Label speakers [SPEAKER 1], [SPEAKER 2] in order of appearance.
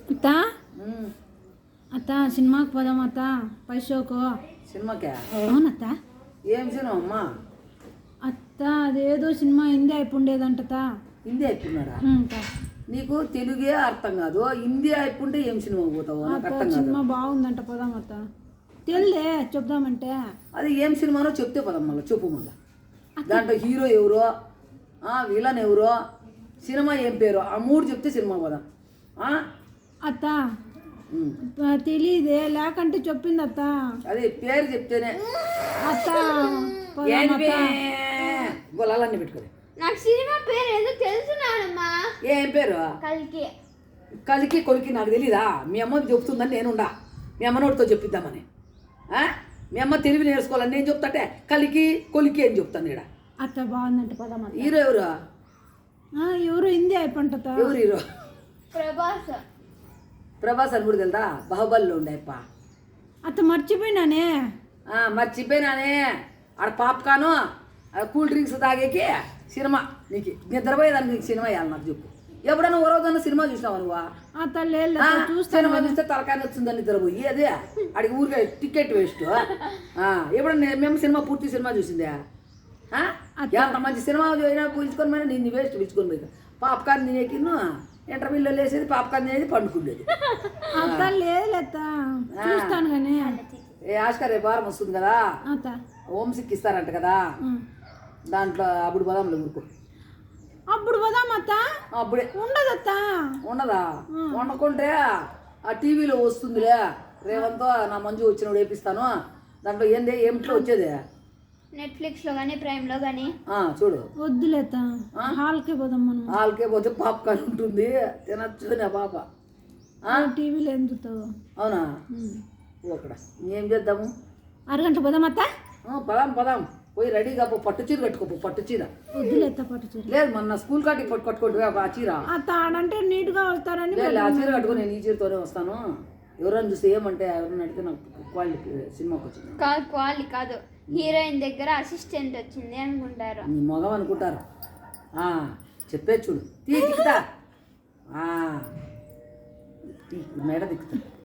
[SPEAKER 1] అత్త అత్త సినిమాకి పోదాం అత్త పైసోకు
[SPEAKER 2] సినిమాకే
[SPEAKER 1] అవునత్త.
[SPEAKER 2] ఏం సినిమా అమ్మా?
[SPEAKER 1] అత్త అదేదో సినిమా హిందీ అయిపోండేదంట.
[SPEAKER 2] హిందీ అయిపోయినాడా? నీకు తెలుగే అర్థం కాదు, హిందీ అయిపోంటే ఏం సినిమా పోతావు? నాకు అర్థం కాదు.
[SPEAKER 1] సినిమా బాగుందంట పోదాం అత్త. తెలిదే చెప్దామంటే
[SPEAKER 2] అది ఏం సినిమానో చెప్తే పదం మళ్ళీ చెప్పు. మళ్ళీ దాంట్లో హీరో ఎవరో, విలన్ ఎవరో, సినిమా ఏం పేరు, ఆ మూడు చెప్తే సినిమా పోదాం.
[SPEAKER 1] అత్త తెలీదే, లేకంటే చెప్పింది అత్త.
[SPEAKER 2] అది పేరు చెప్తేనే
[SPEAKER 1] అత్త
[SPEAKER 2] గొల్లాలన్నీ పెట్టుకోండి.
[SPEAKER 3] నాకు సినిమా పేరు ఏదో తెలుసున్నానమ్మా.
[SPEAKER 2] ఏం పేరు?
[SPEAKER 3] కలికి.
[SPEAKER 2] కలికి కొలికి నాకు తెలీదా? మీ అమ్మకి చెప్తుందని నేనుండా, మీ అమ్మనోడితో చెప్పిద్దామని. మీ అమ్మ తెలివి నేర్చుకోవాలని నేను చెప్తాంటే కలికి కొలికి అని చెప్తాను ఇక్కడ.
[SPEAKER 1] అత్త బాగుందంట పోదాం.
[SPEAKER 2] హీరో ఎవరు?
[SPEAKER 1] ఎవరు హిందీ అయిపోంట.
[SPEAKER 2] ఎవరు హీరో?
[SPEAKER 3] ప్రభాస్.
[SPEAKER 2] ప్రభాస్ అని కూడా తెలుదా? బాహుబలిలో ఉండేప్ప.
[SPEAKER 1] అత్త మర్చిపోయినానే.
[SPEAKER 2] మర్చిపోయినానే. ఆడ పాప్కాను కూల్ డ్రింక్స్ తాగేకి సినిమా. నీకు నిద్రపోయేదానికి నీకు సినిమా వేయాలి. నాకు చెప్పు, ఎప్పుడైనా ఓ రోజన్నా సినిమా చూసినావు నువ్వు? సినిమా చూస్తే తలకాయ వచ్చిందని నిద్రపోయి అదే అడిగి ఊరికే టికెట్ వేస్ట్. ఎప్పుడన్నా మేము సినిమా పూర్తి సినిమా చూసిందే? ఎంత మంచి సినిమా అయినా పిలుచుకొని పోయినా నేను వేస్ట్ పిలుచుకొని పోయి పాప్కార్న్ తినేకిను ఇంటర్వ్యూలో లేసేది, పాప్కార్న్ తినేది, పండుకుండేది.
[SPEAKER 1] చూస్తాను కానీ
[SPEAKER 2] ఆస్కార్ రేపు వారం వస్తుంది కదా, హోమ్సిక్ ఇస్తారంట కదా, దాంట్లో అప్పుడు పోదాంలే ఊరుకో.
[SPEAKER 1] అప్పుడు పోదాం అత్త.
[SPEAKER 2] అప్పుడే
[SPEAKER 1] ఉండదత్త.
[SPEAKER 2] ఉండదా? వండుకుంటే ఆ టీవీలో వస్తుందిలే, రేవంతో నా మంజు వచ్చినప్పుడు వేపిస్తాను. దాంట్లో ఏమిట్లో వచ్చేది?
[SPEAKER 3] నెట్ఫ్లిక్స్ లో కానీ ప్రైమ్ లో కానీ
[SPEAKER 2] చూడు.
[SPEAKER 1] వద్దులేత, హాల్కే పోదాం మనం.
[SPEAKER 2] హాల్కే పోతే పాప్కార్న్ ఉంటుంది, తినచ్చు నా పాప.
[SPEAKER 1] టీవీలో ఎందుతావు?
[SPEAKER 2] అవునా? అక్కడ ఏం చేద్దాము?
[SPEAKER 1] అరగంట పోదాం అత్త.
[SPEAKER 2] పదాం పోయి రెడీగా పో, పట్టు చీర కట్టుకోపో. పట్టు చీర
[SPEAKER 1] వద్దులేత, పట్టు చీర
[SPEAKER 2] లేదు, మొన్న స్కూల్ కాటి కట్టుకోండి ఆ చీర.
[SPEAKER 1] అత్త ఆడంటే నీట్ గా వస్తారని
[SPEAKER 2] ఆ చీర కట్టుకుని నేను ఈ చీరతోనే వస్తాను. ఎవరైనా చూస్తే ఏమంటే ఎవరైనా అడిగితే నాకు క్వాలిటీ సినిమాకి వచ్చింది
[SPEAKER 3] కాదు, క్వాలిటీ కాదు, హీరోయిన్ దగ్గర అసిస్టెంట్ వచ్చింది అనుకుంటారు.
[SPEAKER 2] నీ మొగం అనుకుంటారు. చెప్పే చూడు, తీకుతా మేడ దిక్కుతా.